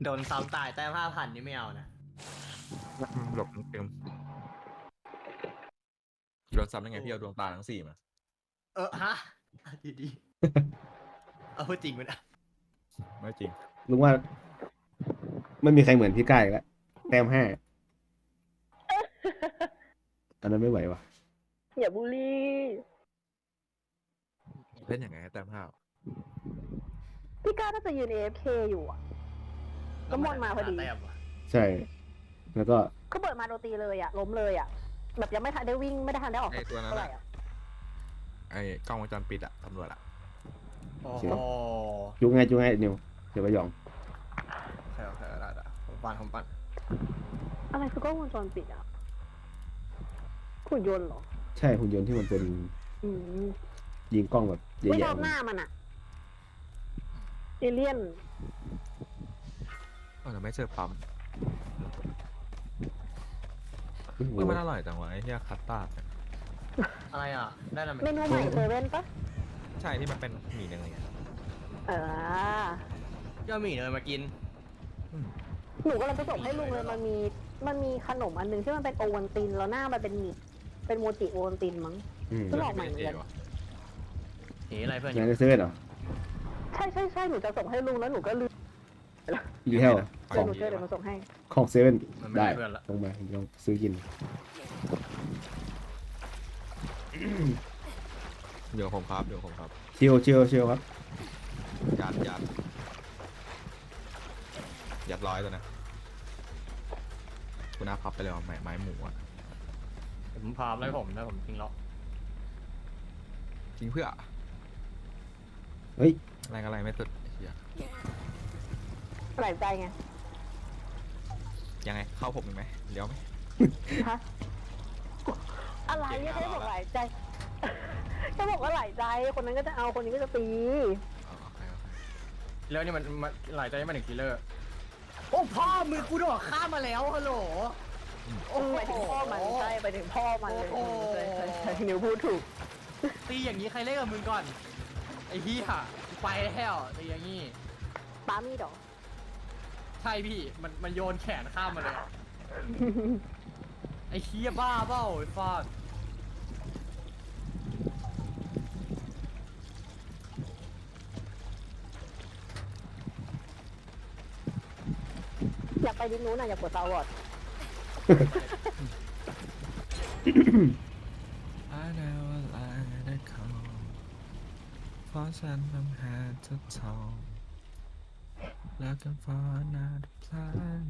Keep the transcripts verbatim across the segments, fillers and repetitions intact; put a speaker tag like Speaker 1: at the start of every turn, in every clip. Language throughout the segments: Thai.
Speaker 1: โดนซ้ำตายแต้มห้าพันนี่ไม่เอานะ
Speaker 2: หลบเต็มโดนซ้ำได้ไงพี่เอาดวงตาทั้งสี่มา
Speaker 1: เออฮะดีดีเอาพูดจริงมันอ่ะ
Speaker 2: ไม่จริง
Speaker 3: ลุงว่าไม่มีใครเหมือนพี่ก้าอีกแล้วแต้มห้าอันนั้นไม่ไหววะ
Speaker 4: อย่าบูลลี่
Speaker 2: เล่นยังไงให้แต้มห้า
Speaker 4: พี่ก้าน่าจะยืน เอ เอฟ เค อยู่อ่ะ ก็มอนมาพอดี
Speaker 1: แต้มว่ะ
Speaker 3: ใช่ แล้วก็
Speaker 4: ก็เปิดมาโดนตีเลยอ่ะ ล้มเลยอ่ะ แบบยังไม่ทันได้วิ่งไม่ได้ทันได้ออก
Speaker 2: ไอ้ตัวนั้น
Speaker 4: เท่าไหร่
Speaker 2: อะ
Speaker 4: อ่ะ
Speaker 2: ไอ้กล้องวงจรปิดอะตำรวจอะ
Speaker 1: โอ้โห
Speaker 3: จุกไงจุกไงนิวเดี๋ยวไปหยอง
Speaker 1: โอเคโอเคได้ได้ผมปั่นผมปั่น
Speaker 4: อะไรคือกล้องวงจรปิดอ่ะหุ่นยนต์เหรอ
Speaker 3: ใช่หุ่นยนต์ที่มันเป็น
Speaker 4: อืม
Speaker 3: ยิงกล้องแบบให
Speaker 4: ไม่ช
Speaker 3: ญ่
Speaker 4: อบหน้ามันอ่ะ เอเลี่ยน
Speaker 2: เออแต่ไม่เจอปั๊ม
Speaker 3: ๆโอ้โห
Speaker 2: เออมันอร่อยจังวะไอ้เหี้ยคัตตาร์ดเนี่ย
Speaker 1: อะไรอ่ะได้แล้ว
Speaker 4: เม
Speaker 1: ไหม
Speaker 4: นูใหม่เซเว่นปะ
Speaker 2: ใช่ที่มันเป็นหมี่เนยอะ
Speaker 4: เออ
Speaker 1: ย่าหมี่เนยมากิน
Speaker 2: อืม
Speaker 4: หนูกำลังจะส่งให้ลุงเลยมันมีมันมีขนมอันหนึงที่มันเป็นโอวัลตินแล้วหน้ามันเป็นหมี่เป็นโมจิโอวัลตินมั้ง
Speaker 3: อืม
Speaker 4: เพิ่งออกใหม่เหมือนกัน
Speaker 2: วะ
Speaker 1: หนีอะไรเพื่อน
Speaker 3: งานในเซเว่นเหรอ
Speaker 4: ใช่ใช่ใช่หนูจะส่งให้ลุงแล้วหนูก็ลืม
Speaker 3: อีเทลข
Speaker 4: เดี๋
Speaker 3: อย ง
Speaker 4: วหนูช่วยเดี๋ยวมาส่งให้
Speaker 3: ของเซเว่น
Speaker 1: มันไม่
Speaker 3: ได้
Speaker 1: ได้เพื่อนละ
Speaker 3: ลงมาลองซื้อกิน
Speaker 2: เดี๋ยวผมครับเดี๋ยวผมครับ
Speaker 3: ชิลชิลชิลครับ
Speaker 2: ยัดยัดยัดร้อยตัวนะคุณอาพับไปเลยว่าไม้ไม้หมูอะ
Speaker 1: ผมพามไล่ผมแล้วผมทิ้งล็อก
Speaker 2: จริงเพื่อ
Speaker 3: เฮ้ย
Speaker 2: อะไรอะไรไม่สุดไอ้เหี้ย
Speaker 4: หลายใจไง
Speaker 2: ยังไงเข้าผมอีกไหมเดี๋ยวไหม
Speaker 4: ฮะอะไร
Speaker 2: เก่ง
Speaker 4: ไม่
Speaker 2: อะ
Speaker 4: ใช่บอก
Speaker 2: เราละ
Speaker 4: หลายใจแค่บอกว่าหลายใจคนนั้นก็จะเอาคนนี้ก็จะตี
Speaker 2: อ๋อโอเคโอเค
Speaker 1: แล้วนี่มันมันหลายใจมาถึงกิลเลอร์โอ้พ่อมือกูโดดข้ามมาแล้วฮัลโหล
Speaker 4: โอ้ไปถึงพ่อมันใช่ไปถึงพ่อมันเลย
Speaker 1: โอ้โห
Speaker 4: ใช่ใช่ใช่นิวพูดถูก
Speaker 1: ตีอย่างนี้ใครเล่นกับมึงก่อนไอ้เหี้ยกูไปแล้วตีอย่างนี้
Speaker 4: ป้ามีดอก
Speaker 1: ใช่พี่มันมันโยนแขนข้ามมาเลยไอ้เหี้ยบ้าเปล่าไอ้ฟาด
Speaker 4: อยากไปดินนู้นอ่ะอยากกดซาวอร์ด
Speaker 2: I never let it go เพราะฉันต้องหาเธอทอง looking for another plan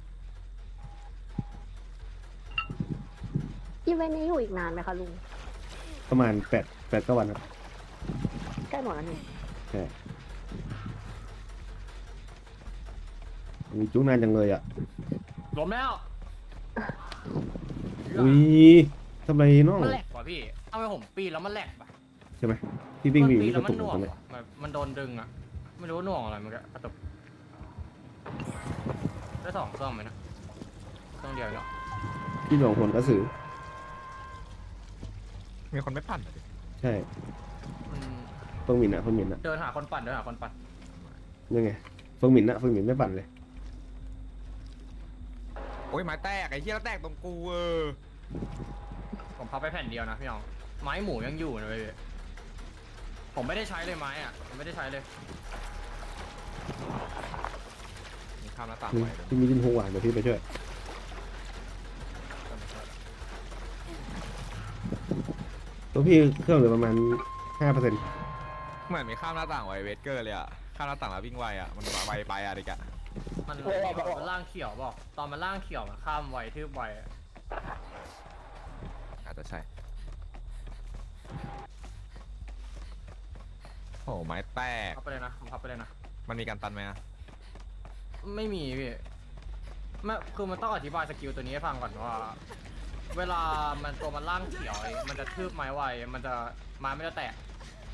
Speaker 4: อีเวนต์นี้อยู่อีกนานไหมคะลุง
Speaker 3: ประมาณแปดแปดก็วันครับ
Speaker 4: ใกล้หมดแล้วนี่
Speaker 3: ใช่มีจุกนานจังเลยอ่ะ
Speaker 1: ล้มแล้ว
Speaker 3: อุ้ยทำไรน้อง
Speaker 1: มันแหลกว่ะพี่เอาไปผมปีนแล้วมันแหลกป่ะ
Speaker 3: ใช่ไหมพี่วิ่ง
Speaker 1: มัน
Speaker 3: วิ่ง
Speaker 1: ปีน
Speaker 3: ก
Speaker 1: แล้
Speaker 3: ระ
Speaker 1: วมั
Speaker 3: ตุ
Speaker 1: น
Speaker 3: ก
Speaker 1: หน่วง
Speaker 3: ทำไม
Speaker 1: ว่ะมันมันโดนดึงอ่ะไม่รู้ว่าหน่วงอะไรมันก็กระตุกได้สองเครื่องไหมนะเครื่องเดียวเนาะ
Speaker 3: พี่หลวงผลกระสือ
Speaker 2: มีคนไม่ปั่นเหรอดิ
Speaker 3: ใช่
Speaker 1: มัน
Speaker 3: เฟิงหมินอ่ะเฟิงหมินอ่ะ
Speaker 1: เดินหาคนปั่นเดินหาคนปั่น
Speaker 3: ยังไงเฟิงหมินอ่ะเฟิงหมินไม่ปั่นเลย
Speaker 2: โอ้ยไม้แตกไอ้เหี้ยแล้วแตกตรงกูเออ
Speaker 1: ผมพับไปแผ่นเดียวนะพี่น้องไม้หมูยังอยู่นะเว้ยผมไม่ได้ใช้เลยไม้อ่ะผมไม่ได้ใช้เลย
Speaker 2: มีข้ามหน้าต่าง
Speaker 3: นี่
Speaker 2: ไว้ด้วย
Speaker 3: พี่มีดินหัวเดี๋ยวพี่ไปช่วยตัวพี่เครื่องเหลือประมาณห้าเปอร์เซ็นต์
Speaker 2: เหมือนมีข้ามหน้าต่างไว้เวสเกอร์เลยอะข้ามหน้าต่างแล้ววิ่งไวอะมันไวไปอะดิกะ
Speaker 1: มันมันล่างเขียวบอกตอนมันล่างเขียวมันข้ามไวทืบไวอะ
Speaker 2: อาจจะใช่โอ้ไม้แตก
Speaker 1: พับไปเลยนะผมพับไปเลยนะ
Speaker 2: มันมีการตันไหมอะ
Speaker 1: ไม่มีพี่ไม่คือมันต้องอธิบายสกิลตัวนี้ให้ฟังก่อนว่า เวลามันตัวมันล่างเขียวไอ้มันจะทืบไม้ไวมันจะไม้ไม่จะแตก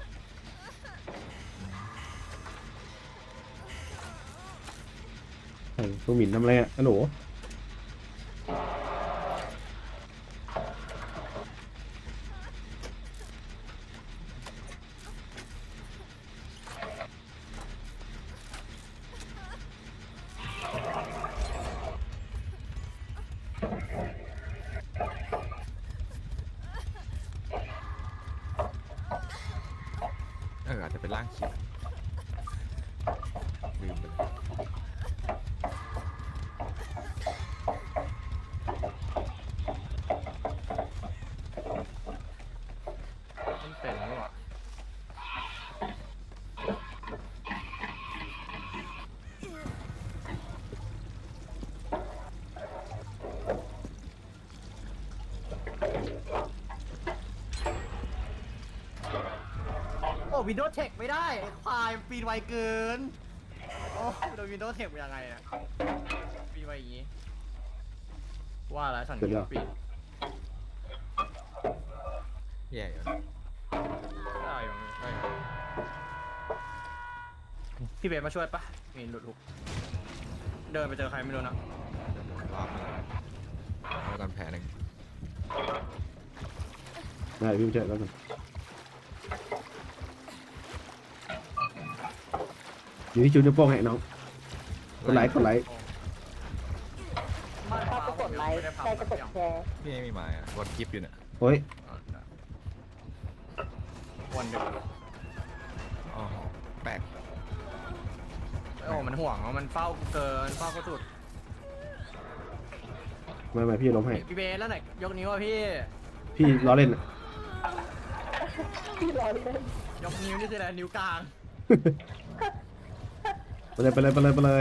Speaker 3: เฮ้ยเฟิงหมินทำอะไรอ่ะฮัลโหล
Speaker 2: เอออาจจะเป็นร่างเขียวลืมไปเลย
Speaker 1: มันเป็นหรือเปล่าโอ้วินโดว์เทคไม่ได้ไอ้ควายปีนไวเกินโอ้โดนวินโดว์เทคเป็นยังไงเนี่ยปีนไวอย่างงี้ว่าแล้วฉันก็ปีน
Speaker 2: แย่อยู่นะ
Speaker 1: ได้อยู่ได้อยู่พี่เบสมาช่วยปะมีหลุดลุกเดินไปเจอใครไม่รู้นะ
Speaker 2: เดี๋ยวรอบนึงเอากันแผลหนึ่ง
Speaker 3: ได้พี่เจอแล้วกันอยู่ที่จุดนิ้วโป้งให้น้องกดไลค์กดไลค์
Speaker 4: ถ้าจะกดไลค์ใครจะกดแชร์
Speaker 2: พี่ไม่มีหมายอ่ะกดคลิปอยู่เนี่ย
Speaker 3: โอ้ย
Speaker 1: วันเดียว
Speaker 2: อ๋อแปลก
Speaker 1: โอ้มันห่วงมันเฝ้าเกินเฝ้าก็สุด
Speaker 3: มามาพี่ล้มให้
Speaker 1: พี่เบสแล้วไหนยกนิ้วอ่ะพี่
Speaker 3: พี่ล้อเล่นอ่ะ
Speaker 4: ที่ร้อยเล่น
Speaker 1: ยกนิ้วนี่คืออะไรนิ้วกลาง
Speaker 3: ไปเลยไปเลยไปเลยไปเลย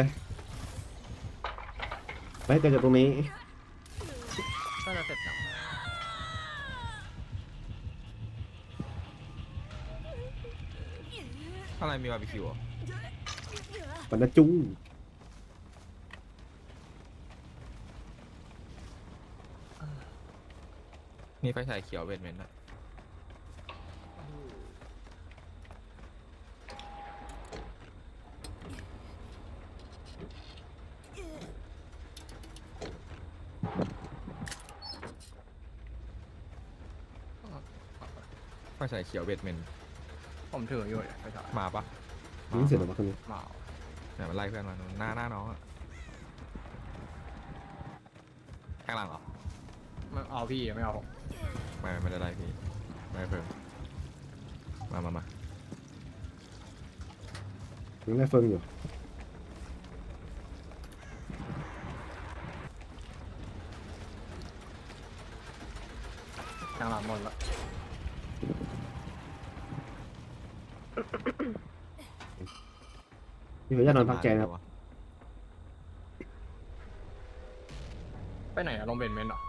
Speaker 3: ไปให้เกิดจากตรงนี้
Speaker 1: ก็จะเสร็จแล้ว
Speaker 2: อะไรมีบาร์บีคิวอ่ะ
Speaker 3: ปันนะจุ้ง
Speaker 2: มีไฟฉายเขียวเวนเมนต์อ่ะไฟฉายเขียวเวนเมนต์
Speaker 1: ผมถืออยู่เลยไปถ่าย
Speaker 2: มาปะ
Speaker 3: นี่เสร็จแล้วมาคนนี้
Speaker 1: เมา
Speaker 2: เนี่ยมันไล่เพื่อนมาหน้าหน้าน้องอ่ะข้างหลังเหรอ
Speaker 1: ไม่เอาพี่ไม่เอาผม
Speaker 2: ไม่ไม่ได้ไล่พี่ไม่เพิ่มมามามา
Speaker 3: ยังได้เฟิงอยู่
Speaker 1: ทางหลังหมดละ
Speaker 3: พี่ขออนุญาตนอนพักใจนะครับ
Speaker 1: ไปไหนอะลงเบนเมนต์เหรอ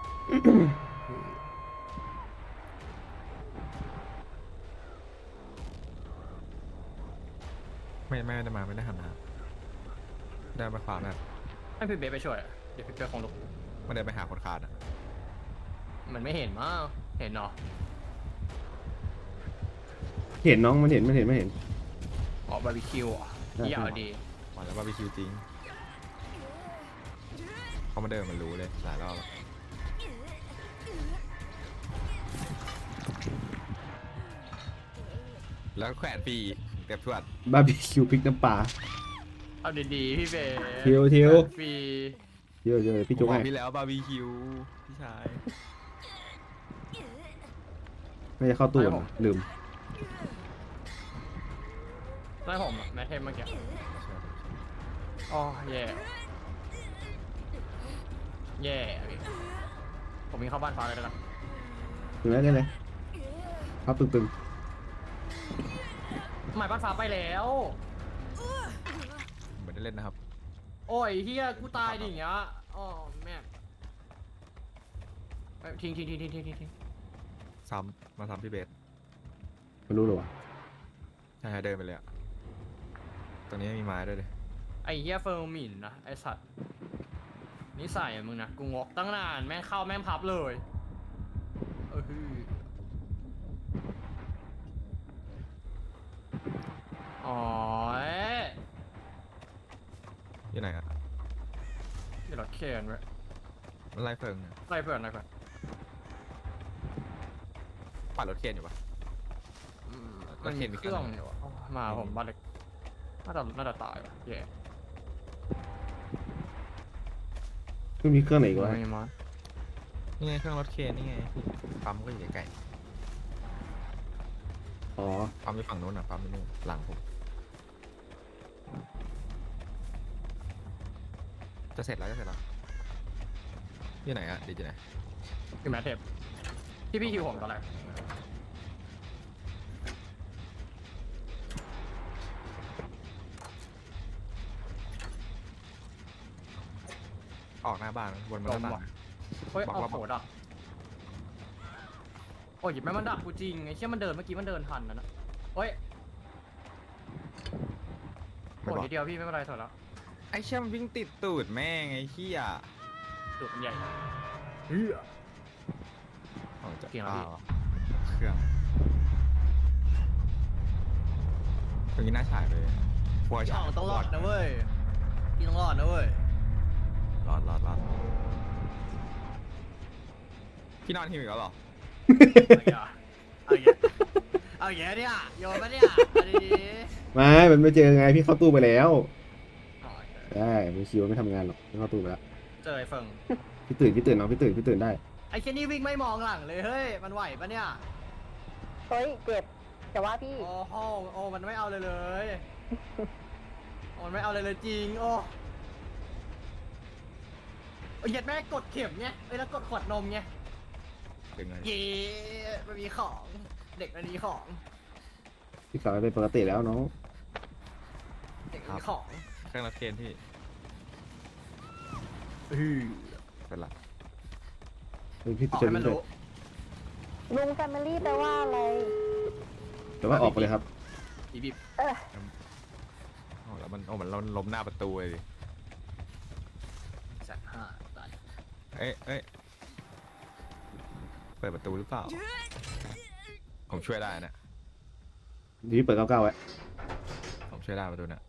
Speaker 2: ไม่ไม่ได้มาไม่ได้หันนะได้มาขวาแบบ
Speaker 1: ให้พี่เบสไปช่วยอะเดี๋ยวพี่เบสคงลุก
Speaker 2: ไม่ได้ไปหาคนขาดอ่ะ
Speaker 1: มันไม่เห็นมั้งเห็นเนาะ
Speaker 3: เห็นน้องมันเห็นมันเห็นไม่เห็น
Speaker 1: อ๋อบาร์บีคิวอ่ะ
Speaker 3: ใช่
Speaker 1: เยี่ยมดี
Speaker 2: มาแล้วบาร์บีคิวจริงเขามาเดินมันรู้เลยหลายรอบแล้วแล้วแขวนฟรีเก็บทวด
Speaker 3: บาร์บีคิวพริกน้ำปลา
Speaker 1: เอาดีๆพี่เบส
Speaker 3: ทิวทิว
Speaker 1: ฟรี
Speaker 3: เยอะเยอะพี่
Speaker 2: ผ
Speaker 3: จุ๊
Speaker 2: ม
Speaker 3: ก
Speaker 2: บอ
Speaker 3: ให้
Speaker 2: กพี่แล้วบาร์บีคิวพี่ชาย
Speaker 3: ไม่จะเข้าตู้ก่อนนะลืม
Speaker 1: ได้ผมอะแมทเทมเมื่อกี้อ๋อแย่แย่พี่ผมมีเข้าบ้านฟ้าเลยแล้วกัน
Speaker 3: ถึงแล้วได้เลยพับตึง
Speaker 1: หมายบ้านฟ้าไปแล้ว
Speaker 2: เหมือนได้เล่นนะครับ
Speaker 1: โอ้ยเฮียกูตายดิอย่างเงี้ยอ๋อแม่เอ้ยทิ้งทิ้งทิ้งทิ้งทิ้งทิ้งทิ้ง
Speaker 2: ซ้ำมาซ้ำพี่เบส
Speaker 3: ๆไม่รู้หรอวะ
Speaker 2: ใช่เดินไปเลยอะตรงนี้มีไม้ด้วยเลย
Speaker 1: ไอ้เฮียเฟิร์มหมิ่นนะไอสัตว์นิสัยอะมึงนะกูงกตั้งนานแม่งเข้าแม่งพับเลยเออฮืออ๋อเอ๊ะ
Speaker 2: อยู่ไหนอะ
Speaker 1: เดี๋ยวรถเคนไว้
Speaker 2: มันไล่เฟิงอะ
Speaker 1: ไล่เพื่อนไล่เพื่อน
Speaker 2: ปัดรถเคนอยู่ปะ
Speaker 1: อืม
Speaker 2: ร
Speaker 1: มั
Speaker 2: ถ
Speaker 1: น
Speaker 2: เข็
Speaker 1: มี
Speaker 2: นมี
Speaker 1: เครื่อง
Speaker 2: คันไหน
Speaker 1: อยู่อะอ๋อมาผมบ้านเล็กน่าจะน่าจะตายว่ะแย่
Speaker 3: ไม่มีเครื่องไหนอีกวะ
Speaker 1: ไม่มา
Speaker 2: นี่ไงเครื่องรถเคนนี่ไงปั๊มก็อยู่ใกล้
Speaker 3: อ๋อ
Speaker 2: ปั๊มอยู่ฝั่งนู้นอ่ะปั๊มอยู่นู่นหลังผมจะเสร็จแล้วจะเสร็จแล้วที่ไหนอะดีจีไหน
Speaker 1: คือแมทเทปที่พี่คิวผมตอนแรก
Speaker 2: ออกหน้าบ้านบนมันหน้าต่าง
Speaker 1: เฮ้ย
Speaker 2: บอก
Speaker 1: เอา
Speaker 2: ว่า
Speaker 1: โหดักโอ้ยหยิบแม่งมันดักกูจริงไอ้เชี่ยมันเดินเมื่อกี้มันเดินทันนะนะเฮ้ย
Speaker 2: ไม่
Speaker 1: โอ้
Speaker 2: บอก
Speaker 1: ยทีเดียวพี่ไม่เป็นไรถอยแล้ว
Speaker 2: ไอ้เชี่ยมันวิ่งติดตูดแม่งไอ้เหี้ย
Speaker 1: ดูดมันใหญ่เฮ้ย
Speaker 2: ออกจาก
Speaker 1: เก่งแล้ว
Speaker 2: เป
Speaker 1: พี่
Speaker 2: ล่าเครื่องตรงนี้น่าฉายเลยพวก
Speaker 1: พี่
Speaker 2: ฉา
Speaker 1: อ๋อย งต้องรอดนะเว้ยพี่ต้องรอดนะเว้ย
Speaker 2: รอดรอดรอดพี่นอนหิวอีกแล้วเหรอ
Speaker 1: เอาอีกอ่ะเอาอย่างเงี้ยเอาอย่างเงี้ยเนี่ยโยนมาเนี่ยเอาดี
Speaker 3: ไม่ มันไม่เจอไงพี่เข้าตู้ไปแล้ว
Speaker 1: ๆอ๋อ
Speaker 3: ได้ไม่คิวไม่ทำงานหรอกไม่เข้าตู้ไปแล้ว
Speaker 1: เจอไอ้เฟิง
Speaker 3: พี่ตื่นพี่ตื่นน้องพี่ตื่นพี่ตื่นได้
Speaker 1: ไอ้เช่นนี่วิ่งไม่มองหลังเลยเฮ้ยมันไหวปะเนี่ย
Speaker 4: เฮ้ยเจ็บแต่ว่าพี่
Speaker 1: โอ้โหโอ้มันไม่เอาเลยเลยโอ้มันไม่เอาเลยเลยจริงโอ้โอ้ยเหยียดแม่กดเข็มไงเอ้ยแล้วกดขวดนมไง
Speaker 2: ดึงเลย
Speaker 1: เย้มันมีของเด็กมันมีของ
Speaker 3: พี่กลับมาเป็นปกติแล้วน้อง
Speaker 1: เด็กมันมีของ
Speaker 2: เครื่องรับเกณฑ์พี่
Speaker 1: อือ
Speaker 2: เป็นไร
Speaker 3: เฮ้ยพี่
Speaker 1: ออก
Speaker 3: จะ
Speaker 1: ให้มัน
Speaker 3: วิ่ง
Speaker 1: รู้
Speaker 4: ลุงแฟมิลี่แปลว่าอะไร
Speaker 3: แต่ว่าออกไปเลยครับ
Speaker 1: บีบีบ
Speaker 4: เออ
Speaker 2: โอ้แล้วมันโอ้มันล้มหน้าประตูเลยดิ
Speaker 1: แสนห้าตาย
Speaker 2: เอ้ยเอ้ยเปิดประตูหรือเปล่าผมช่วยได้นะ
Speaker 3: เดี๋ยวพี่เปิดเก้าเก้าไว้
Speaker 2: ผมช่วยได้ประตูเนี่ย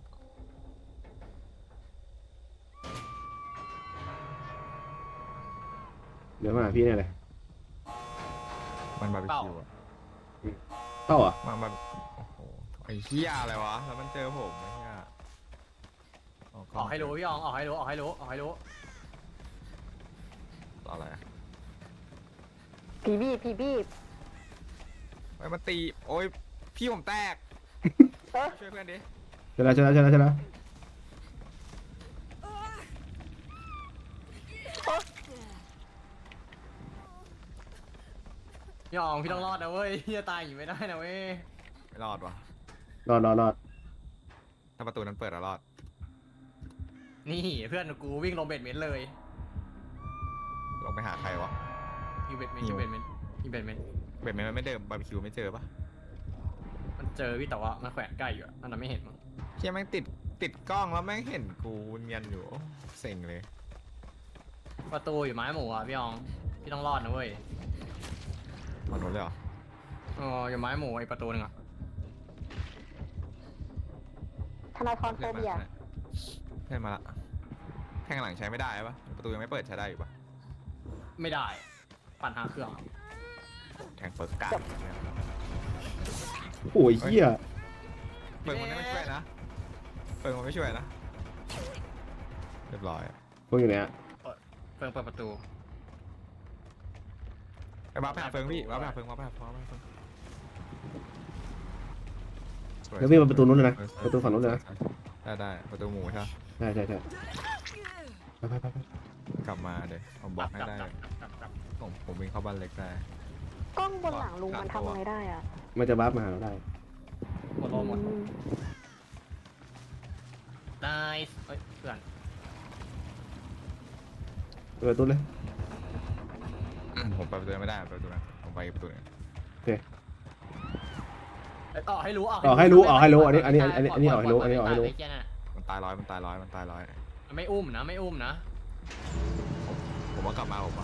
Speaker 3: เดี๋ยวมาหาพี่เนี่ยเลย
Speaker 2: มันบาร์บีคิวอะ
Speaker 3: เข้าเหรอ่ะ
Speaker 2: มันบาร์บีโอ้โหไอ้เหี้ยอะไรวะแล้วมันเจอผมไอ้เหี้ย
Speaker 1: ออกให้รู้พี่อองออกให้รู้ออกให้รู้ออกให้รู้
Speaker 2: อะไรอะ
Speaker 4: ผีบีบผีบีบ
Speaker 2: ไอ้มันตีโอ้ยพี่ผมแตก
Speaker 4: เออ
Speaker 2: ช่วยเพื่อนดิ
Speaker 3: ใช่แล้วใช่แล้วใช่แล้วใช่แล้ว
Speaker 1: พี่อองพี่ต้องรอดนะเว้ยพี่จะตายอยู่ไม่ได้นะเว้ย
Speaker 2: ไม่รอดวะ
Speaker 3: รอดรอดรอด
Speaker 2: ถ้าประตูนั้นเปิดแล้วรอด
Speaker 1: นี่เพื่อนกูวิ่งลงเบ็ดเมนต์เลย
Speaker 2: ลงไปหาใครวะ
Speaker 1: ยิงเบ็ดเมนต์ยิงเบ็ดเมนต์ยิงเบ็ดเมนต์
Speaker 2: เบ็ดมันไม่เดิมบาร์บีคิวไม่เจอปะ
Speaker 1: มันเจอพี่แต่ว่ามันแขวนใกล้อยู่อะอันนั้นไม่เห็นมั้ง
Speaker 2: เชี่ยแม่งติดติดกล้องแล้วแม่งเห็นกูเนียนอยู่โอ้เซ็งเลย
Speaker 1: ประตูอยู่ไม้หมูอ่ะพี่อองพี่ต้องรอดนะเว้ย
Speaker 2: มอนโดนเลยเหรอ
Speaker 1: อ๋ออยู่ไม้หมูไอ้ประตูหนึงอ่ะ
Speaker 4: ธนาธรโฟ
Speaker 2: เพื่อนมา
Speaker 4: เบีย
Speaker 2: เพื่อนมาละแทงหลังใช้ไม่ได้ปะประตูยังไม่เปิดใช้ได้อยู่ปะ
Speaker 1: ไม่ได้ปั่นหาเครื่อง
Speaker 2: แทงเปิดกลาง
Speaker 3: โอ้ยเหี้ย
Speaker 2: เปิดมันไม่ช่วยนะเปิดมันไม่ช่วยนะเรียบร้อย
Speaker 3: พวกอยู่ไหนอ่ะ
Speaker 1: เฟิงเปิดประตู
Speaker 2: ไปบ้าไปหาเฟิงพี่บ้าไปหาเฟิงบ้าไปหาเฟิงบ้าไปหาเฟิง
Speaker 3: แล้ววิ่งมาประตูนู้นเลยนะประตูฝั่งนู้นเลยนะ
Speaker 2: ได้ได้ประตูหมูใช่ไหม
Speaker 3: ใช่ใช่ใช่ไปไปไปไป
Speaker 2: กลับมาเดี๋ยวผมบล็อกให้ได้
Speaker 1: กลับกลับกลับ
Speaker 2: ผมผมวิ่งเข้าบ้านเล็กได้
Speaker 4: กล้องบนหลังลุงมันทำอะไรได้อ่ะ
Speaker 3: มันจะบัฟมาหาเราได้
Speaker 1: หมดโลหมด
Speaker 4: อืม
Speaker 1: ได้เฮ้ยเพื่อน
Speaker 3: เปิดประตูเลย
Speaker 2: ผมไปประตูนั้นไม่ได้ไปประตูนั้นผมไปประตูนี้
Speaker 3: โอเค
Speaker 1: เอ้ยออกให้รู้ออก
Speaker 3: ออกให้รู้ออกให้รู้อันนี้อันนี้อันนี้อันนี้ออกให้รู้อันนี้ออกให้รู้
Speaker 1: ไเหี้ยน่ะ
Speaker 2: มันตายร้อยมันตายร้อยมันตายร้อย
Speaker 1: มันไม่อุ้มนะไม่อุ้มนะ
Speaker 2: ผมว่ากลับมาผมว่า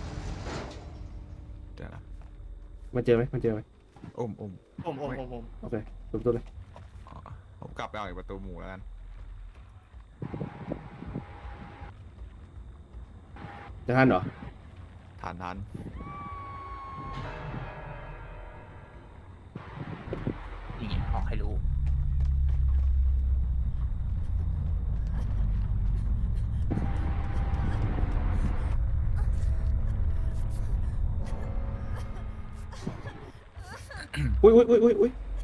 Speaker 2: เดี๋ยวนะ
Speaker 3: มันเจอไหมมันเจอไหม
Speaker 2: อุ้มอุ้ม
Speaker 1: ผมผมผมผม
Speaker 3: โอเคเปิดประตูเลย
Speaker 2: อ๋อผมกลับไปเอาอีกประตูหมูแล้วกัน
Speaker 3: จะทันเหรอ
Speaker 2: ทานทัน
Speaker 1: นี่ไงออกให้รู้
Speaker 3: อุ้ยอุ้ยอุ้ยอุ้ยอุ้ย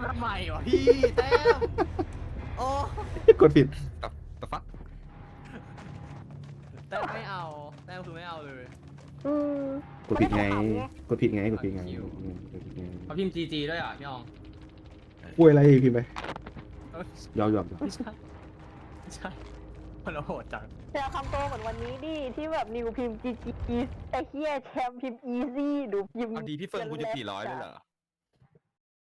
Speaker 1: ทำไมวะพี่แต้มโอ้
Speaker 3: กดผิด
Speaker 2: ตับตับฟัก
Speaker 1: แต้มไม่เอาแต้มคือไม่เอาเลย
Speaker 4: อืม
Speaker 3: กดผิดไง
Speaker 4: ม่ขำไง
Speaker 3: กดผิดไง กดผิดไง
Speaker 1: คิว
Speaker 3: อืมกดผิดไง
Speaker 1: เขาพิมพ์จีจีด้วยอ่ะพี่ออง
Speaker 3: คุยอะไรพิมพ์ไป
Speaker 1: เอ้ย
Speaker 3: ยอมยอมยอม
Speaker 1: ไม่ใช่ไม่ใช่มันโหดจัง
Speaker 4: แต่คำโตเหมือนวันนี้ดิที่แบบนิวพิมพ์จีจีไอ้เฮียแชมป์พิมพ์อีซี่ดูพิมพ์
Speaker 2: เอาดีพี่เฟิร์นกูจะกี่ร้อยเลยเหรอ